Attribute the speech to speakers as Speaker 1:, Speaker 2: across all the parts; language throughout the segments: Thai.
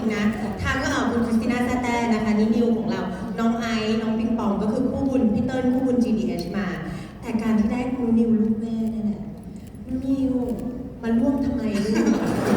Speaker 1: งๆนะทางคุณคริสติน่าแซ่แต้นะคะนี่นิวของเราน้องไอซ์น้องปิงปองก็คือคู่บุญพี่เติ้ลคู่บุญ GDH มาแต่การที่ได้คุณนิวลูกแม่นั่นแหละนิวมาร่วมทำไมลูก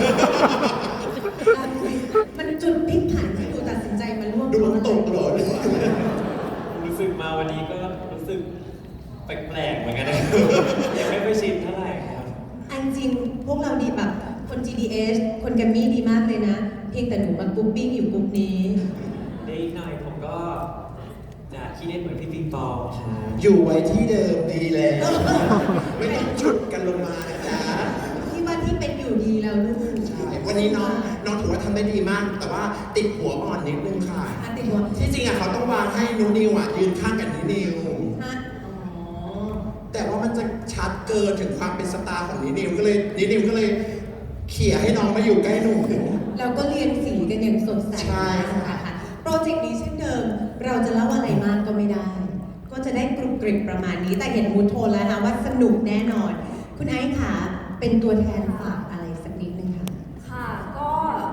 Speaker 1: มันจุดพลิกผันที่หนูตัดสินใจมาร่วม
Speaker 2: ดูมันตกตลอดเลย
Speaker 3: รู้สึกมาวันนี้ก็รู้สึกแปลกๆเหมือนกันนะครับยังไม่ค่อยชินเท่าไหร่ครับ
Speaker 1: อันจริงพวกเราดีแบบคน GDH คนแกรมมี่ดีมากเลยนะ เพียงแต่หนูมากรุ๊ปปิ้งอยู่กรุ๊ปนี้
Speaker 3: ได้อีกหน่อยผมก็จะคิดได้เหมือนพี่ปิงปองครับ
Speaker 2: อยู่ไว้ที่เดิมดีแล้ว ไม่ต้องฉุดกันลงมานะจ๊ะ
Speaker 1: ที่ว่าที่เป็นอยู่ดีแล้วลูก
Speaker 2: ใช่วันนี้น้องถือว่าทำได้ดีมาก แต่ว่าติดหัวอ่อนนิดนึงค่ะ
Speaker 1: ติดหัว
Speaker 2: ที่จริงเขาต้องวางให้นูนิวยืนข้างกับนิว
Speaker 1: ฮะอ๋อ
Speaker 2: แต่ว่ามันจะชัดเกินถึงความเป็นสตาร์ของนิวก็เลยเขี่ยให้น้องมาอยู่ใกล้หนู
Speaker 1: เราก็เรียนสีกันอย่างสดใส
Speaker 2: ใช่
Speaker 1: ค่ะโปรเจกต์นี้เช่นเดิม เราจะเล่าอะไรมากก็ไม่ได้ ก็จะได้กรุบกริบประมาณนี้ แต่เห็นมูดโทนแล้วนะว่าสนุกแน่นอน คุณไอซ์ค่ะเป็นตัวแทนฝากอะไรสักนิดนึงค่ะ
Speaker 4: ค่ะก็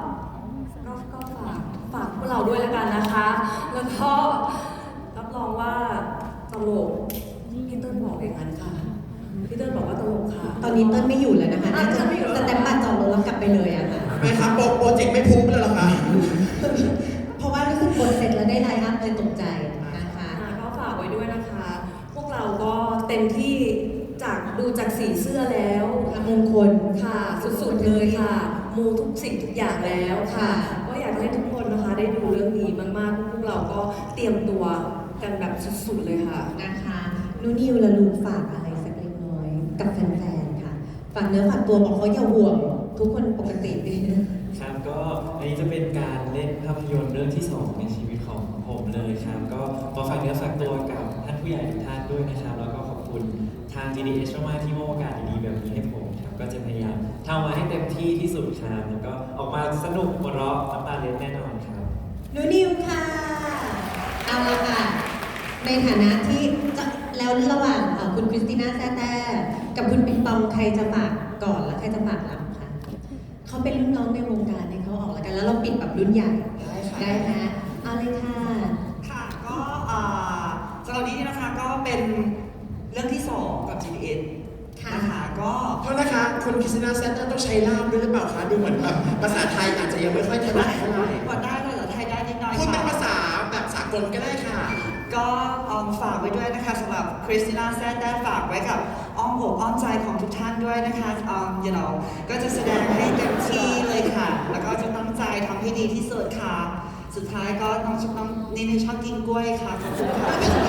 Speaker 4: ฝากพวกเราด้วยแล้วกันนะคะ แล้วก็รับรองว่าตลกพี่เติ้ลบอกอย่างนั้นค่ะพี่เติ้ลบอกว่าตลกค่ะ
Speaker 1: ตอนนี้เติ้ลไม่อยู่แล้วนะคะน่าจะ
Speaker 4: ไม่อยู่แล้ว
Speaker 1: สแตมป์บัตรจองรถแล้วกลับไปเลยอะค่ะ
Speaker 2: ไม่ครับโปรเจกต์ไม่พูดแล้วเหรอคะ
Speaker 1: เพราะว่ารู้สึกกดเสร็จแล้วได้ไลน์อัพเลยตกใจนะคะ
Speaker 4: ก็ฝากไว้ด้วยนะคะ พวกเราก็เต็มที่ดูจากสีเสื้อแล้ว
Speaker 1: มงคล
Speaker 4: ค่ะสุดๆเลยค่ะ มูทุกสิ่งทุกอย่างแล้วค่ะ ก็อยากให้ทุกคนนะคะได้ดูเรื่องนี้มากๆพวกเราก็เตรียมตัวกันแบบสุดๆเลยค่ะ
Speaker 1: นะคะนูนิวและลูกฝากอะไรสักเล็กน้อยกับแฟนๆ ค่ะ ฝากเนื้อฝากตัวบอกเขาอย่าห่วง ทุกคนปกติดีนะครับ
Speaker 3: ก็อันนี้จะเป็นการเล่นภาพยนตร์เรื่องที่ 2 ในชีวิตของผมเลยครับก็มาฝากเนื้อฝากตัวกับท่านผู้ใหญ่ทุกท่านด้วยนะครับแล้วก็ขอบคุณทาง GDH มากๆที่มอบโอกาสดีๆแบบนี้ให้ผมครับก็จะพยายามทำมาให้เต็มที่ที่สุดครับแล้วก็ออกมาสนุกหัวเราะน้ำตาเล็ดแน่นอนครับ
Speaker 1: นูนิวค่ะ เอาละค่ะ ในฐานะที่จะแล้วระหว่างคุณคริสติน่าแซ่แต้กับคุณปิงปองใครจะฝากก่อนและใครจะฝากหลังคะเขาเป็นรุ่นน้องในวงการให้เขาออกแล้วกัน แล้วเราปิดแบบรุ่นใหญ่ ได้ไหมเอาเลยค่ะ
Speaker 5: ค่ะก็สำหรับนี้นะคะก็เป็นเรื่องที่ 2 กับ GDH นะคะก็
Speaker 2: โทษนะคะคนคริสติน่าเซนเตอร์ต้องใช้ล่ามด้วยหรือเปล่าคะดูเหมือนแบบภาษาไทยอาจจะยังไม่ค่อยถนัดเท่าไหร่
Speaker 5: กดได้เลยเหรอไทยได้นิดหน่อย
Speaker 2: พูดเป็น
Speaker 5: ค่ะ
Speaker 2: ภาษาแบบสากลก็ได้ค่ะ
Speaker 5: ก็ฝากไว้ด้วยนะคะสำหรับคริสติน่าแซ่ได้ฝากไว้กับอ้อมอกอ้อมใจของทุกท่านด้วยนะคะก็จะแสดงให้เต็มที่เลยค่ะ แล้วก็จะตั้งใจทำให้ดีที่สุดค่ะ สุดท้ายก็น้องนี่ชอบกินกล้วยค่ะขอบคุณค่ะ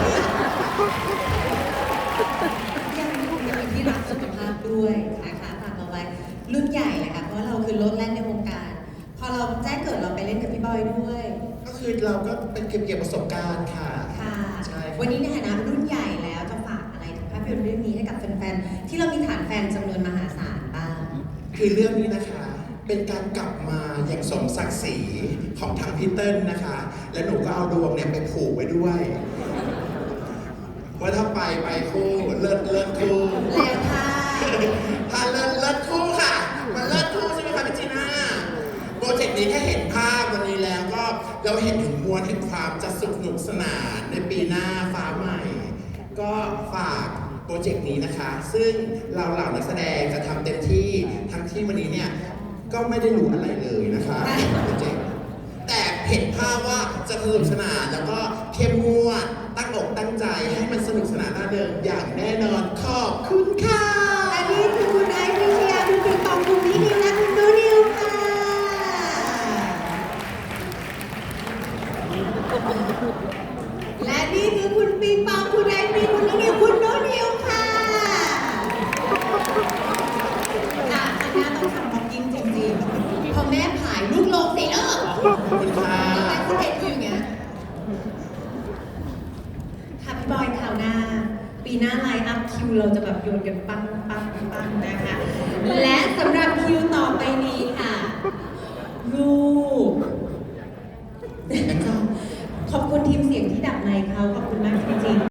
Speaker 1: ยังมีที่รักสุขภาพด้วยนะคะฝากเอาไว้รุ่นใหญ่เลยค่ะ เพราะว่าเราคือรถแล่นในวงการ พอเราแจ้งเกิดเราไปเล่นกับพี่บอยด้วย
Speaker 2: ก็คือเราก็เป็นเก็บประสบการณ์ค่ะ
Speaker 1: ค่ะ
Speaker 2: ใช่ครับ
Speaker 1: วันนี้ในฐานะรุ่นใหญ่แล้วจะฝากอะไรถึงภาพยนตร์เรื่องนี้ให้กับแฟนๆ ที่เรามีฐานแฟนจำนวนมหาศาลบ้าง
Speaker 2: คือเรื่องนี้นะคะ เป็นการกลับมาอย่างสมศักดิ์ศรีของทางพีเติ้ลนะคะ และหนูก็เอาดวงเนี่ยไปผูกไว้ด้วย ว่าถ้าไปคู่เลิศคู่
Speaker 1: แล้วค่ะ
Speaker 2: ถ้าเลิศคู่ค่ะ มันเลิศคู่ใช่ไหมคะพี่จีน่าโปรเจกต์นี้แค่เห็นภาพวันนี้แล้วก็เราเห็นถึงมวลแห่งความจะสนุกสนานในปีหน้าฟ้าใหม่ ก็ฝากโปรเจกต์นี้นะคะ ซึ่งเราเหล่านักแสดงจะทำเต็มที่ทั้งที่วันนี้เนี่ยก็ไม่ได้รู้อะไรเลยนะคะโปรเจกต์แต่เห็นภาพว่าจะสนุกสนานแล้วก็เข้มงวดตั้งอกตั้งใจให้มันสนุกสนานน่าเดิมอย่างแน่นอนขอบคุณค่ะ
Speaker 1: และนี่คือคุณไอซ์วิเชียรคุณปิงปองคุณพี่นิวและคุณนูนิวค่ะ และนี่คือคุณปิงปองคุณไอซ์มีคุณนูนิวคุณนูนิวค่ะอันนี้ต้องทำบ็อกกิ้งจริงๆพอแม่ผายลูกลงสิเออ
Speaker 2: ขอบคุณค่ะ
Speaker 1: ทำไมคุณเห็นอยู่อย่างเงี้ยค่ะพี่บอยคราวหน้า ปีหน้าไลน์อัพคิวเราจะแบบโยนกันปังนะคะ และสำหรับคิวต่อไปนี้ค่ะ ลูก ขอบคุณทีมเสียงที่ดับในเขาขอบคุณมากจริงๆ